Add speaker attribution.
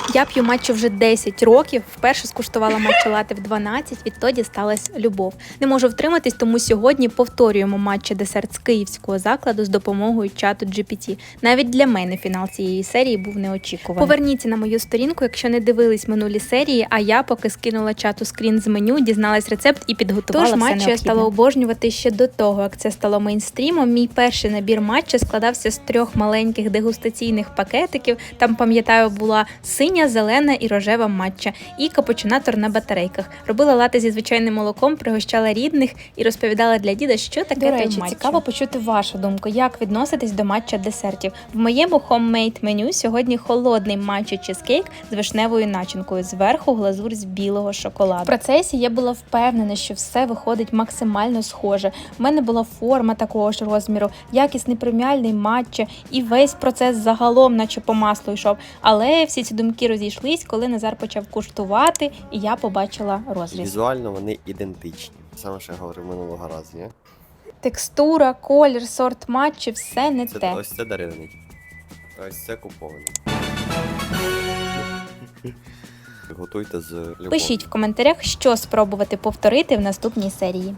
Speaker 1: Я п'ю матчу вже 10 років, вперше скуштувала матча лате в 12, відтоді сталася любов. Не можу втриматись, тому сьогодні повторюємо матча-десерт з київського закладу з допомогою чату GPT. Навіть для мене фінал цієї серії був неочікуваний. Поверніться на мою сторінку, якщо не дивились минулі серії, а я поки скинула чату скрін з меню, дізналась рецепт і підготувала все необхідне. Тож матчу я стала обожнювати ще до того, як це стало мейнстрімом. Мій перший набір матча складався з 3 маленьких дегустаційних пакетиків. Там, пам'ятаю, була синя, зелена і рожева матча, і капучинатор на батарейках. Робила лате зі звичайним молоком, пригощала рідних і розповідала для діда, що таке той матча. До речі, цікаво почути вашу думку, як відноситесь до матча-десертів. В моєму хоммейд меню сьогодні холодний матча-чизкейк з вишневою начинкою, зверху глазурь з білого шоколаду. В процесі я була впевнена, що все виходить максимально схоже. У мене була форма такого ж розміру, якісний преміальний матча, і весь процес загалом наче по маслу йшов. Але всі ці думки розійшлись, коли Назар почав куштувати, і я побачила розріз.
Speaker 2: Візуально вони ідентичні. Саме, що я говорив минулого разу, ні?
Speaker 1: Текстура, колір, сорт матчі – все не те.
Speaker 2: Ось це даривний. Ось це купований. Готуйте з любов'ю.
Speaker 1: Пишіть в коментарях, що спробувати повторити в наступній серії.